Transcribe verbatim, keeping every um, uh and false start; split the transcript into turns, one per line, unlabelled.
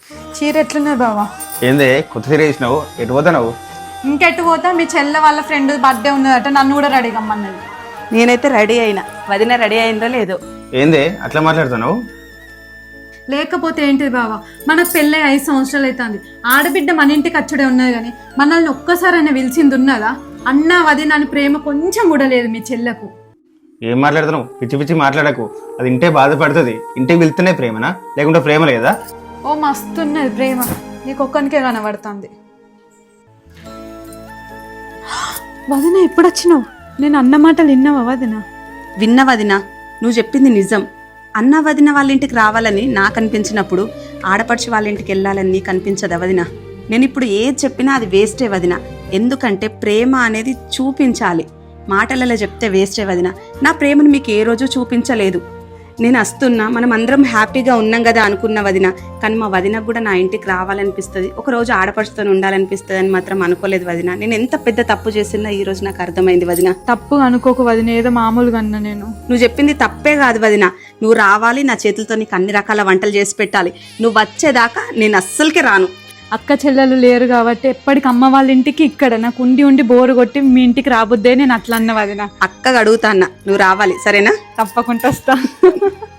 చీర ఎట్లున్నది బావా?
ఏందే కొత్త చీర వేసినావు? ఎటు పోతావు?
ఇంకెట్టు పోతా? మీ చెల్లె వాళ్ళ ఫ్రెండ్ బర్త్డే ఉన్నదట, నన్ను కూడా రెడీ కమ్మన్నది.
నేనైతే రెడీ అయినా, వదిన రెడీ అయిందో లేదో.
ఏందే అట్లా మాట్లాడుతున్నావు?
లేకపోతే ఏంటిది బావా, మనకు పెళ్ళై ఐదు సంవత్సరాలు అవుతుంది. ఆడబిడ్డ మన ఇంటికి అచ్చుడే ఉన్నది కానీ మనల్ని ఒక్కసారైనా పిలిచింది ఉన్నదా? అన్న వదిన అని ప్రేమ కొంచెం కూడా లేదు మీ చెల్లెకు.
ఏం మాట్లాడుతున్నావు? పిచ్చి పిచ్చి మాట్లాడకు. అది ఇంటే బాధపడుతుంది. ఇంటికి వెళ్తేనే ప్రేమనా, లేకుంటే ప్రేమ లేదా?
ఓ మస్తున్నది ప్రేమ, నీకు ఒక్కనికే కనబడుతుంది. వదిన ఎప్పుడు వచ్చినావు? నేను అన్న మాటలు విన్నావా వదిన?
విన్న వదిన, నువ్వు చెప్పింది నిజం. అన్న వదిన వాళ్ళ ఇంటికి రావాలని నాకు అనిపించినప్పుడు ఆడపడిచి వాళ్ళ ఇంటికి వెళ్ళాలని నీకు అనిపించదా వదిన? నేను ఇప్పుడు ఏది చెప్పినా అది వేస్టే వదిన. ఎందుకంటే ప్రేమ అనేది చూపించాలి, మాటలలో చెప్తే వేస్టే వదిన. నా ప్రేమను మీకు ఏ రోజు చూపించలేదు. నేను వస్తున్నా, మనం అందరం హ్యాపీగా ఉన్నాం కదా అనుకున్న వదిన. కానీ మా వదినకు కూడా నా ఇంటికి రావాలనిపిస్తుంది, ఒకరోజు ఆడపడుచుతో ఉండాలనిపిస్తుంది అని మాత్రం అనుకోలేదు వదిన. నేను ఎంత పెద్ద తప్పు చేసినా ఈ రోజు నాకు అర్థమైంది వదిన.
తప్పు అనుకోకు వదిన, ఏదో మామూలుగా అన్నా నేను.
నువ్వు చెప్పింది తప్పే కాదు వదిన. నువ్వు రావాలి, నా చేతులతో నీకు అన్ని రకాల వంటలు చేసి పెట్టాలి. నువ్వు వచ్చేదాకా నేను అస్సలకే రాను.
అక్క చెల్లెలు లేరు కాబట్టి ఎప్పటికి అమ్మ వాళ్ళ ఇంటికి ఇక్కడ నాకు ఉండి ఉండి బోరు కొట్టి మీ ఇంటికి రాబుద్దే నేను అట్లా అన్న వదిన.
అక్కగా అడుగుతా అన్న, నువ్వు రావాలి సరేనా?
తప్పకుండా వస్తా.